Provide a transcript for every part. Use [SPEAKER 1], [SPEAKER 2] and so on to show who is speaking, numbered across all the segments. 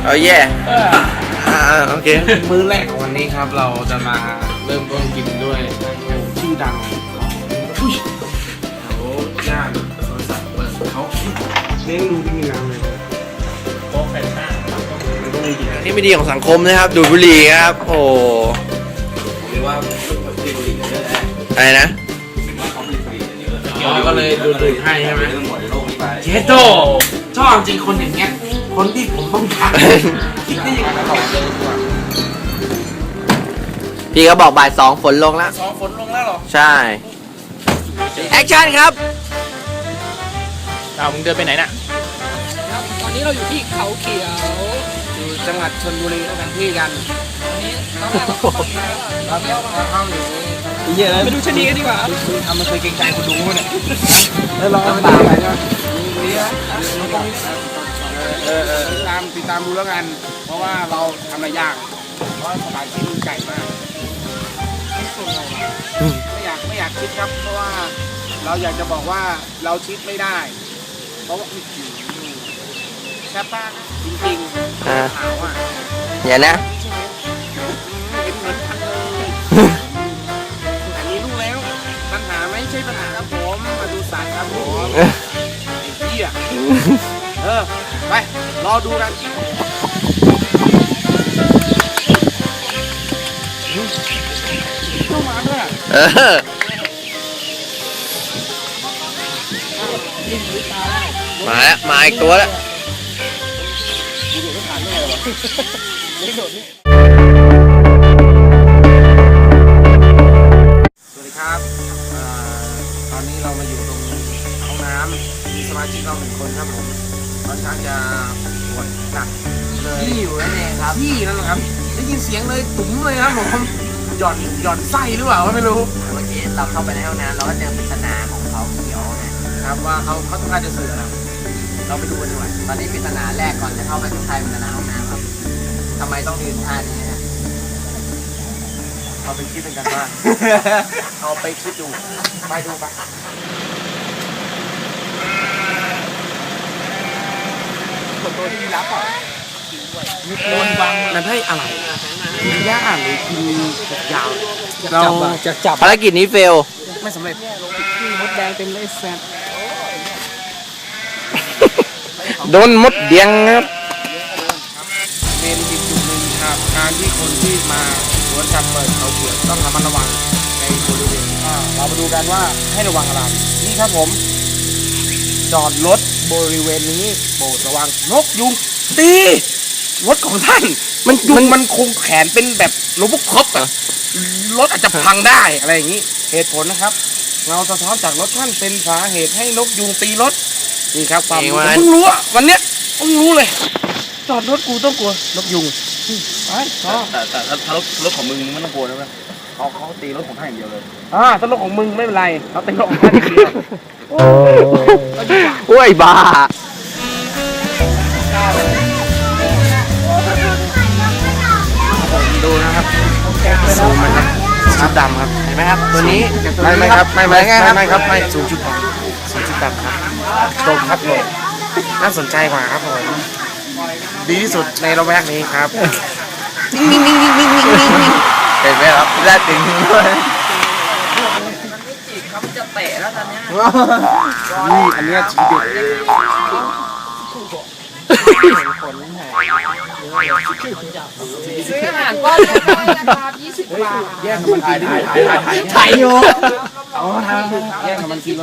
[SPEAKER 1] เอาแย่โอเค
[SPEAKER 2] มื้อแรกของวันนี้ครับเราจะมาเริ่มต้นกินด้วยชื่อดังอุ้ยแถวย่านสวนสัตว์เขาเลี้ยงดูที่มีน้ำเลยโต๊ะแฟนต้ามันต้องมีกินอะไร
[SPEAKER 1] ที่ไม่ดีของสังคมนะครับดูดบุหรี่ครับโอ้
[SPEAKER 3] หรือว่าบุหรี่เยอะแยะ
[SPEAKER 1] อะไรนะ
[SPEAKER 3] ว่าเขาผลิตบุหรี่เยอะ
[SPEAKER 2] เกี่ยวก็เลยดูดให้ใช่ไหม
[SPEAKER 3] เรื่องหมดในโลกนี้ไป
[SPEAKER 2] เจโตชอบจริงคนอย่างเงี้ยคนที่ผมต้องการคิดได้ยังไง
[SPEAKER 1] พี่ก็บอกบ่าย2ฝนลงแล้ว
[SPEAKER 2] สองฝนลงแล้วหรอ
[SPEAKER 1] ใช่แอคชั่นครับ
[SPEAKER 4] มึงเดินไปไหนน่ะ
[SPEAKER 5] ครับตอนนี้เราอยู่ที่เขาเขียว
[SPEAKER 2] อยู่จังหวัดชลบุรีแล้วกันที่กัน
[SPEAKER 5] ตอนนี้ตอนแรกเราเข้าไปแล้ว
[SPEAKER 2] ครับเข้าอยู่
[SPEAKER 5] ไปดูชะนีกันดีกว่าครับ
[SPEAKER 2] ทำมันเคยเกรงใจคนดูมั้ยเนี่ยแล้วเราตามไปนะติดตามดูแล้วกัน เพราะว่าเราทำอะไรยากเพราะสถานที่มันไกลมากไม่อยากคิดครับ เพราะว่าเราอยากจะบอกว่าเราคิดไม่ได้ เพราะว่าแซ่บมากจริงๆขาวอ่ะ
[SPEAKER 1] อย่านะ
[SPEAKER 2] เห็นเหมือนกันเลยแต่มีลูกแล้วปัญหาไม่ใช่ปัญหาครับผมมาดูสัตว์ครับผมไอ้เหี้ยไปรอดูกันเข้ามาด้วย
[SPEAKER 1] มาแล้วมาอีกตัวแล้ว
[SPEAKER 2] สวัสดีครับตอนนี้เรามาอยู่ตรงห้องน้ำมีสมาชิกเรา1 คนครับผมค่อนข้างจะปวดหนักเลยที่อยู่นั่นเองครับที่นั่นแหละครับได้ยินเสียงเลยตุ๋มเลยครับผมหย่อนไส้หรือเปล่าไม่รู้
[SPEAKER 1] เมื่อกี้เราเข้าไปในห้องน้ำเราก็เจอปริศนาของเขาเขียวนะครับ
[SPEAKER 2] ว่าเขาต้องการจะสื่ออะไรเราไปดูกันดีกว่า
[SPEAKER 1] ตอนนี้ปริศนาแรกก่อนจะเข้าไปข้างในปริศนาห้องน้ำครับทำไมต้องยืนท่านี้ฮะ
[SPEAKER 2] เอาไปคิดกันว่า เอาไปคิดดูไปดูไปตัวที่รับอ่ะมีโคนวางมันให้อะไรกินหญ้าหรือกินยาวเรา
[SPEAKER 5] จะจับ
[SPEAKER 1] ภารกิจนี้เฟล
[SPEAKER 2] ไม่สำเร็จ
[SPEAKER 5] มดแดงเต็มเลยแซ่บ
[SPEAKER 1] โดนมดเดียงครับ
[SPEAKER 2] เป็นอีกจุดหนึ่งครับการที่คนที่มาสวนสัตว์เปิดเขาเขียวต้องระมัดระวังในบริเวณเรามาดูกันว่าให้ระวังอะไรนี่ครับผมจอดรถบริเวณนี้โปรดระวังนกยุงตีรถของท่านมันคงแขนเป็นแบบโรบอคอปอะรถอาจจะพังได้อะไรอย่างนี้เหตุผลนะครับเงาสะท้อนจากรถท่านเป็นสาเหตุให้นกยุงตีรถนี่ครับความรู้เพิ่งรู้อะวันเนี้ยเพิ่งรู้เลย จอดรถกูต้องกลัวนกยุงไปต่อ
[SPEAKER 3] แต่ถ้ารถของมึงไม่ต้องกลัวนะเว้ยเขาตีรถของท่านอย่างเดียวเลย
[SPEAKER 2] ถ้ารถของมึงไม่เป็นไรเขาเป็นรถของท่านอย่างเดียว
[SPEAKER 1] โอ้ยบ้า
[SPEAKER 2] ดูนะครับซูมมันครับชุดดำครับเห็นไหมครับตัวนี้ไม่ครับไม่ซูมชุดดำครับตรงครับผมน่าสนใจกว่าครับผมดีที่สุดในระแวกนี้ครับ
[SPEAKER 1] เห็นไหมครับได้ถึงด้วย
[SPEAKER 2] นี่อันเนี้ยทีเด็ด
[SPEAKER 5] ซื้ออาหารก้อนเล็กน้อยนะครับ20 บาท
[SPEAKER 2] แย่งกับมันกิน
[SPEAKER 1] ถ่ายอยู่
[SPEAKER 2] เอาทางแย่งกับมันกินแล้ว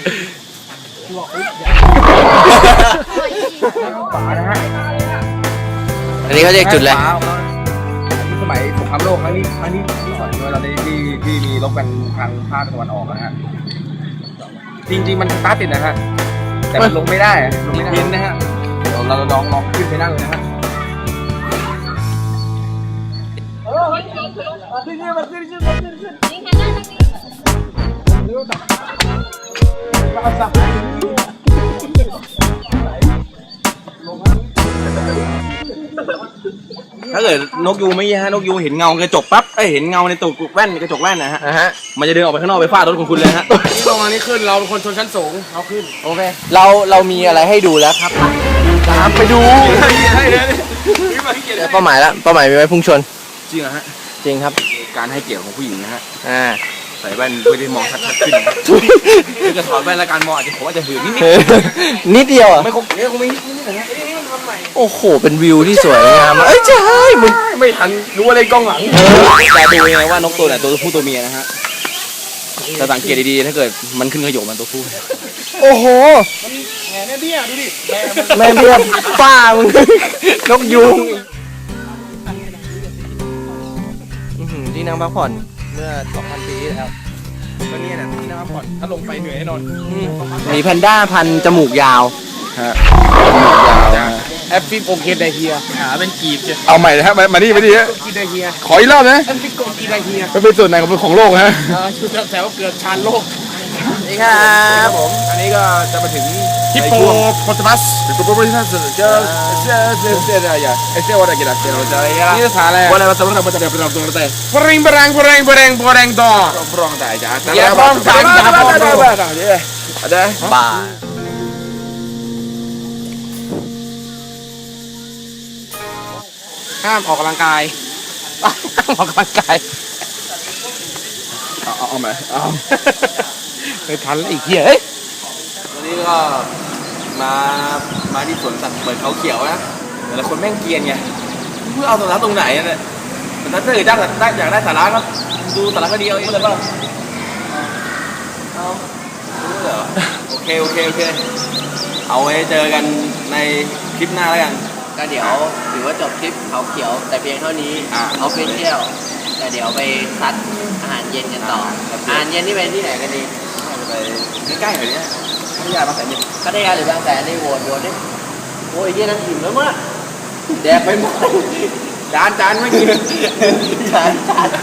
[SPEAKER 2] ป่านะฮะ
[SPEAKER 1] อันนี้เขาเรียกจุดอะไร
[SPEAKER 3] สมัยสงครามโลกครั้งนี้ที่สอนเราได้ที่มีรบกันทางภาคตะวันออกนะฮะ
[SPEAKER 2] จริงๆมันสตาร์ทติดนะฮะ
[SPEAKER 3] แต่มันลงไม่ได้ลงไม่ได้
[SPEAKER 2] เย็นนะฮะ
[SPEAKER 3] เดี๋ยวเราลองขึ้นไปนั่งเลยนะฮะ ถ้าเกิดนกยูงไม่ฮะนกยูงเห็นเงากระจกปั๊บเห็นเงาในตูดแว่นกระจกแว่นนะฮะ มันจะเดินออกไปข้างนอกไปฟาดรถของคุณเลยฮะ
[SPEAKER 2] นี่ลงอันนี้ขึ้นเราเป็นคนชนชั้นสูงเราขึ้น
[SPEAKER 1] โอเคเรามีอะไรให้ดูแล้วครับตามไปดู
[SPEAKER 2] ให้
[SPEAKER 1] เป้าหมายแล้วเป้าหมายมีไว้พุ่งชน
[SPEAKER 3] จริงเหรอฮะ
[SPEAKER 1] จริงครับ
[SPEAKER 3] การให้เกียรติของผู้หญิงนะฮะ
[SPEAKER 1] ใ
[SPEAKER 3] ใส่แว่นเพื่อที่มองชัดๆขึ้นถ้าจะถอดแว่นแล้วการมองอาจจะผมอาจจะหืนนิด
[SPEAKER 1] นิดเดียวอ่ะ
[SPEAKER 3] ๆไม่คงเนี่ยคงไม่นิดนะฮะนี่มันทำใหม่
[SPEAKER 1] โอ้โหเป็นวิวที่สวยงามเอ้ยใช่มึง
[SPEAKER 3] ไม่ทันรู้อะไรกล้องหลังแต่ดูยังไงว่านกตัวไหนตัวผู้ตัวเมียนะฮะจะสังเกตดีๆถ้าเกิดมันขึ้นขยโยมันตัวผู้
[SPEAKER 1] โอ้โห
[SPEAKER 2] แหมเนี่ยเบี้ยดูดิ
[SPEAKER 1] แม่เบี้ยป้ามึง นกยูงที่นั่งพักผ่อนเมื่อ 2,000 ปีที่แล้ว
[SPEAKER 3] ก็เนี่ยนะที่นั่งพักผ่อนถ้าลงไปเหนื่อยแน่นอน
[SPEAKER 1] มีแพนด้าพันจมูกยาว
[SPEAKER 3] ฮะ
[SPEAKER 2] แอฟฟิกโอเคไดเฮีย
[SPEAKER 1] ขาเป็นกีบจ้ะ
[SPEAKER 3] เอาใหม่นะฮะมานี่ฮะ
[SPEAKER 2] กีไดเฮีย
[SPEAKER 3] ขออีกรอบนะ
[SPEAKER 2] แอฟฟิกโอเคไดเฮีย
[SPEAKER 3] มันเป็นส่วนไหนของโลกฮะ
[SPEAKER 2] ชุดแถวเกือบชานโลก
[SPEAKER 1] นี่ครับผม
[SPEAKER 3] อันนี้ก็จะมาถึง
[SPEAKER 2] ฮิปโปโปตมัส
[SPEAKER 3] ฮิปโปโปลิทัสเจออะไรอย่างเอเซวอะไรกันนะเซวอะไร
[SPEAKER 2] นี่ภาษาอะไร
[SPEAKER 3] วันอะไรมาสำหรับมันจะเป็นตัวอะไร
[SPEAKER 2] ปริงปรังต่อ
[SPEAKER 3] ปรองได้จ้า
[SPEAKER 2] อย่าปรองจ่ายอย่าปรองจ่าย
[SPEAKER 3] ada
[SPEAKER 1] ป่า
[SPEAKER 2] ห้ามออกกำลังกายห้ามออกกำลังกาย
[SPEAKER 3] เอาไหมเอา
[SPEAKER 2] ไม่ทันแล้วอีกเหี้ยเฮ้ย
[SPEAKER 3] วันนี้ก็มาที่สวนสัตว์เปิดเขาเขียวนะแต่ละคนแม่งเกียนไงเพื่อเอาสาระตรงไหนเนี่ยแต่ถ้าเกิดได้อยากได้สาระก็ดูสาระก็ดีเอาเองเลยป่ะเอารู้เหรอโอเคเอาไว้เจอกันในคลิปหน้าแล้วกัน
[SPEAKER 1] ก็เดี๋ยวถือว่าจบคลิปเขาเขียวแต่เพียงเท่านี้
[SPEAKER 3] อ่า
[SPEAKER 1] เขาไปเที่ยวแต่เดี๋ยวไปซัดอาหารเย็นกันต่ออาหารเย็นนี่ไปที่ไหนกันดี
[SPEAKER 3] ไปใกล้ๆหน่อยเนี่ยพัทยาบางแสนเนี่ย
[SPEAKER 1] พัทยาหรือบางแสนนี่โหวตดิโอ้ยเยี่ยนั่นอิ่มแล้วมั้งแดกไปหมด
[SPEAKER 3] จานไม่กิน
[SPEAKER 1] จาน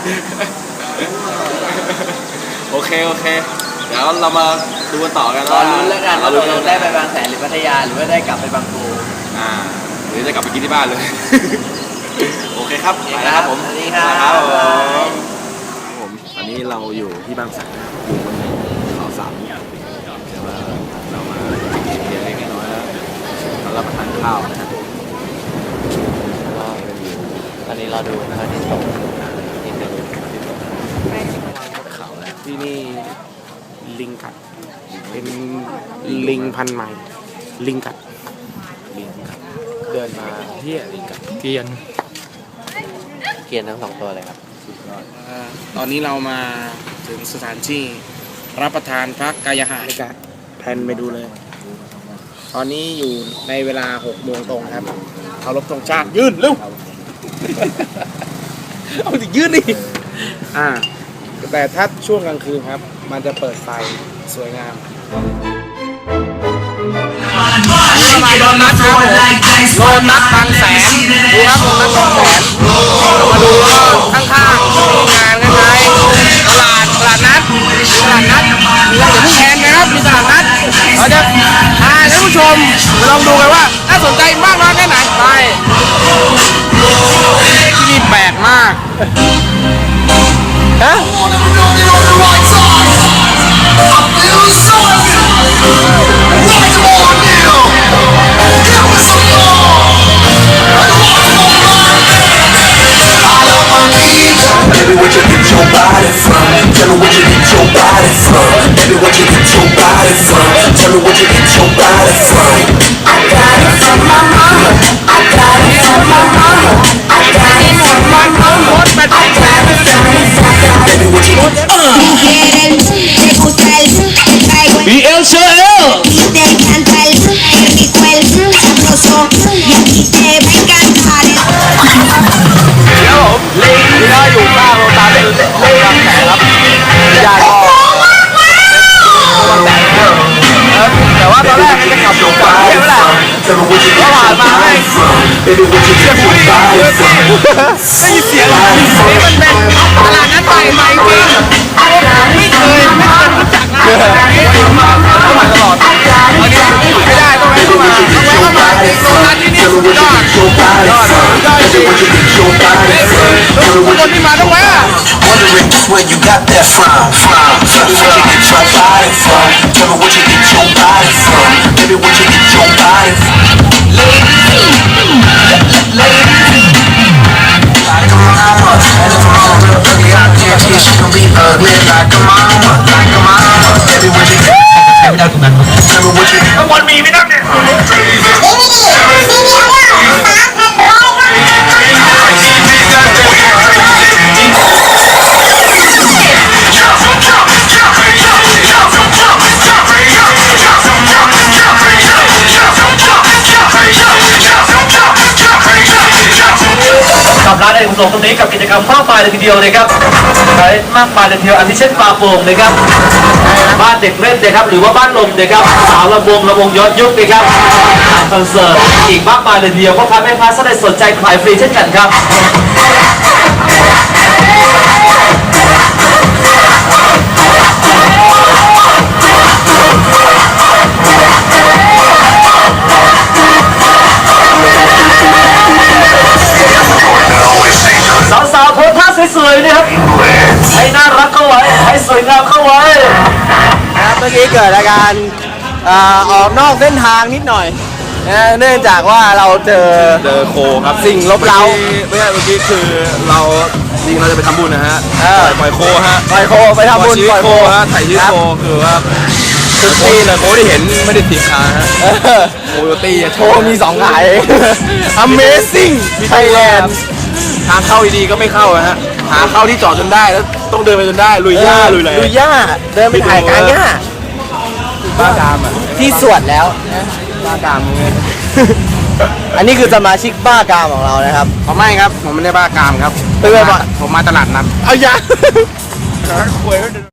[SPEAKER 3] โอเค เดี๋ยวเรามาดูกันต่อกัน
[SPEAKER 1] รอลุ้นแล้วกันว่าเรา
[SPEAKER 3] ลุ้น
[SPEAKER 1] ได้ไปบางแสนหรือพัทยาหรือว่าได้กลับไปบางปู
[SPEAKER 3] หรือจะกลับไปกินที่บ้านเลย โอเคครับไปแล้วครับผม
[SPEAKER 1] สวัสดีครับ
[SPEAKER 3] ผมอันนี้เราอยู่ที่บางแสนอยู่บนเขาสามแต่ว่าเรามาเพียงเล็กน้อยแล้วเรารับประทานข้าวนะครับ
[SPEAKER 1] ตอนนี้เราดูพระอาทิตย์ตกนิดนึง
[SPEAKER 3] เขาแล้ว
[SPEAKER 2] ที่นี่ลิงกัดเป็นลิงพันธุ์ใหม่ลิงกัด
[SPEAKER 3] ลิงครับ
[SPEAKER 1] เดินมา
[SPEAKER 2] เฮียลิงกัดเกรียน
[SPEAKER 1] เกียนทั้งสองตัวเลยครับ
[SPEAKER 2] ตอนนี้เรามาถึงสถานที่รับประทานพระกายหาริกะแพนไปดูเลย ตอนนี้อยู่ในเวลา6 โมงตรงครับเคารพธงชาติยืนเร็ว เอาดิยืนดิแต่ถ้าช่วงกลางคืนครับ มันจะเปิดไฟสวยงามโดนนัดครับโดนนัดบางแสนดูครับโดนนัดบางแสนมาดูข้างๆมีงานคล้ายๆตลาดนัดอย่าเพิ่งแทนนะครับมีตลาดนัดเราจะพาท่านผู้ชมไปลองดูกันว่าน่าสนใจมากน้อยแค่ไหนไปที่นี่แปลกมากฮะ
[SPEAKER 4] Baby, where'd you get your body from? Tell me where'd you get your body from? Baby, where'd you get your body from? Tell me where'd you get your body from? I got it from my mama. I got it from my mama. I got it from my mama. I got it from my mama. Baby, where'd you get
[SPEAKER 6] Te gusta el, te traigo el y te encanta el rico el sabroso y a ti te va a encantar el
[SPEAKER 3] นี่ก็อยู่ข้างโรงตาเป็นบางแสนครับญาติก็บางแสนแต่ว่าตอนแรกจะขับอยู่ฝั่งเที่ยวแหละ
[SPEAKER 4] Tell me where'd you get your body from? Baby, where'd you get your body from?
[SPEAKER 2] ได้ยินเสียงนี่มันเป็นตลาดนัดใหม่จริงไม่เคยรู้จักนะ
[SPEAKER 3] มาตลอดตอนนี้ไม่ได้ต้องแวะเข้ามาจริงโรงงานที่นี่สุดยอดจริง
[SPEAKER 2] ทุกคนที่มาต้องแวะ
[SPEAKER 4] Wondering where you got that from? Tell me where'd you get your body from? Tell me where'd you get your body from? Baby, where'd you get your body from? Ladies, Yeah, she gon' be ugly like a mama, like a mama. Tell me what you tell me what you
[SPEAKER 2] ข้างบนมีไหมนักเนี่ย
[SPEAKER 7] กับร้านเอกสมตรงนี้กับกิจกรรมมากมายเลยทีเดียวนะครับใช้มากมายเลยทีเดียวอันที่เช่นปลาโป่งนะครับบ้านเด็กเล่นนะครับหรือว่าบ้านลมนะครับสาวระวงย้อนยุคนะครับคอนเสิร์ตอีกมากมายเลยทีเดียวพ่อค้าแม่ค้าถ้าได้สนใจขายฟรีเช่นกันครับสาวๆโพสท่าสวยๆนะครับให้น่ารักเข้าไว้ให้สวยงามเข้าไว้
[SPEAKER 1] ครับเมื่อกี้เกิดอาการออกนอกเส้นทางนิดหน่อยนะเนื่องจากว่าเราเจอ
[SPEAKER 3] โคครับ
[SPEAKER 1] สิ่งลบเร้า
[SPEAKER 3] ไม่ใช่เมื่อกี้คือเราจริงเราจะไปทำบุญนะฮะปล่อยโคฮะ
[SPEAKER 1] ปล่อยโคไปทำบุญ
[SPEAKER 3] ชีวิต
[SPEAKER 1] ปล่อย
[SPEAKER 3] โค
[SPEAKER 1] โค
[SPEAKER 3] ฮะถ่ายชีวิตโคคือว่าคือตีเลยโคที่เห็นไม่ได้ถีบขาฮะโคโยตี้
[SPEAKER 1] โชว์มี2 ขาย Amazing Thailand
[SPEAKER 3] ทางเข้าดีๆก็ไม่เข้าฮะหาเข้าที่จอดจนได้แล้วต้องเดินไปจนได้ลุยหญ้าลุยอะไร
[SPEAKER 1] ลุยหญ้าเดินไปถ่ายกลางหญ้า
[SPEAKER 3] บ้ากามอ่ะ
[SPEAKER 1] ที่สวนแล้ว
[SPEAKER 3] บ้ากามมึง
[SPEAKER 1] อันนี้คือสมาชิกบ้ากามของเรานะครับ
[SPEAKER 2] ผมไม่ครับ ผมไม่ได้บ้ากามครับ
[SPEAKER 1] เป็นไงบ้าง
[SPEAKER 2] ผมมาตลาดนัด
[SPEAKER 1] เอาอย่า